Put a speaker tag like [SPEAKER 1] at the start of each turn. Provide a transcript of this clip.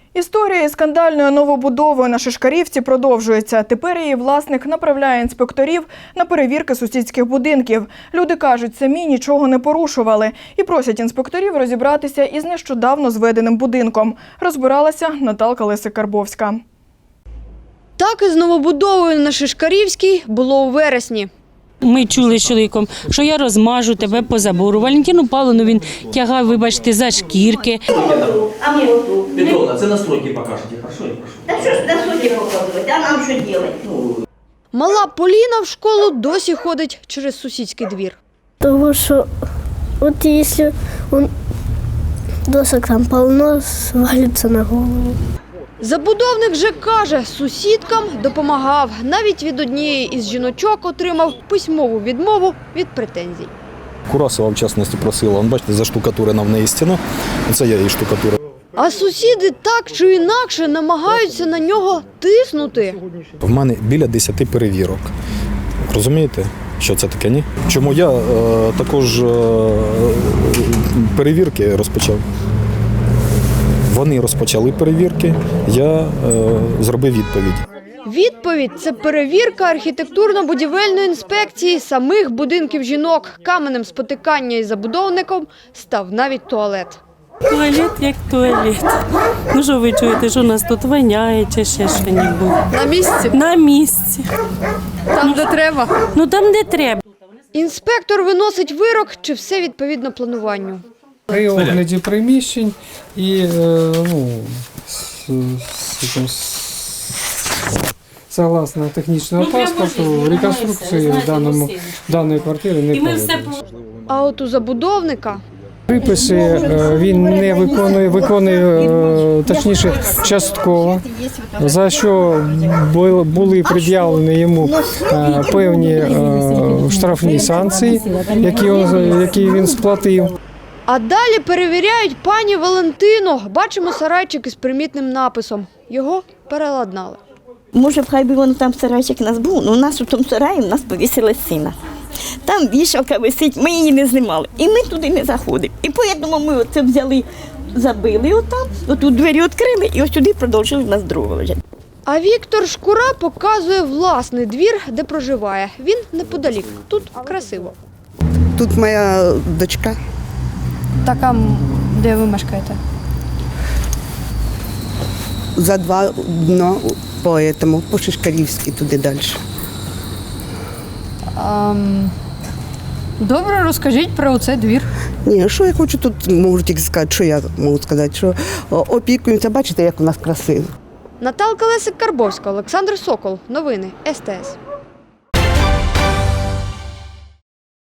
[SPEAKER 1] Історія із скандальною новобудовою на Шишкарівці продовжується. Тепер її власник направляє інспекторів на перевірки сусідських будинків. Люди кажуть, самі нічого не порушували і просять інспекторів розібратися із нещодавно зведеним будинком. Розбиралася Наталка Лесик-Карбовська.
[SPEAKER 2] Так із новобудовою на Шишкарівській було у вересні.
[SPEAKER 3] Ми чули з чоловіком, що я розмажу тебе по забору. Валентину Павловну він тягав, вибачте, за шкірки.
[SPEAKER 4] А ми оту.
[SPEAKER 5] Петровна, це настройки покажете, хорошо? Я прошу.
[SPEAKER 4] Та що ж настройки показувати, а нам що робити?
[SPEAKER 2] Мала Поліна в школу досі ходить через сусідський двір.
[SPEAKER 6] Того, що от якщо досок там полно, свалиться на голову.
[SPEAKER 2] Забудовник же каже, сусідкам допомагав. Навіть від однієї із жіночок отримав письмову відмову від претензій.
[SPEAKER 7] Курасова, в частності, просила, бачите, заштукатурена в неї стіна, це я її штукатурив.
[SPEAKER 2] А сусіди так чи інакше намагаються на нього тиснути.
[SPEAKER 7] В мене біля 10 перевірок. Розумієте, що це таке, ні? Чому я також перевірки розпочав? Вони розпочали перевірки, я зробив відповідь.
[SPEAKER 2] Відповідь – це перевірка архітектурно-будівельної інспекції самих будинків жінок. Каменем спотикання із забудовником став навіть туалет.
[SPEAKER 3] Туалет як туалет. Ну що ви чуєте, що у нас тут воняє чи ще що-небудь?
[SPEAKER 2] На місці?
[SPEAKER 3] На місці.
[SPEAKER 2] Там, де треба?
[SPEAKER 3] Ну там, де треба.
[SPEAKER 2] Інспектор виносить вирок, чи все відповідно плануванню.
[SPEAKER 8] При огляді приміщень і согласно технічного паспорту, реконструкції даної квартири не проводиться.
[SPEAKER 2] А от у забудовника
[SPEAKER 8] Приписи він не виконує, точніше, частково, за що були пред'явлені йому певні штрафні санкції, які він сплатив.
[SPEAKER 2] А далі перевіряють пані Валентину. Бачимо сарайчик із примітним написом. Його переладнали.
[SPEAKER 9] Може, хай би воно там сарайчик у нас був, але у нас у тому сараї повісили сіна. Там вішалка висить, ми її не знімали. І ми туди не заходимо. І тому ми оце взяли, забили отам, отут двері відкрили і ось сюди продовжили нас другого лежати.
[SPEAKER 2] А Віктор Шкура показує власний двір, де проживає. Він неподалік. Тут красиво.
[SPEAKER 10] Тут моя дочка.
[SPEAKER 2] Так, а де ви мешкаєте?
[SPEAKER 10] За 2 дня по Шишкарівській, туди далі.
[SPEAKER 2] Добре, розкажіть про цей двір.
[SPEAKER 10] Ні, що я хочу тут, можу тільки сказати, що я можу сказати, що опікуємося, бачите, як у нас красиво.
[SPEAKER 2] Наталка Лесик-Карбовська, Олександр Сокол. Новини СТС.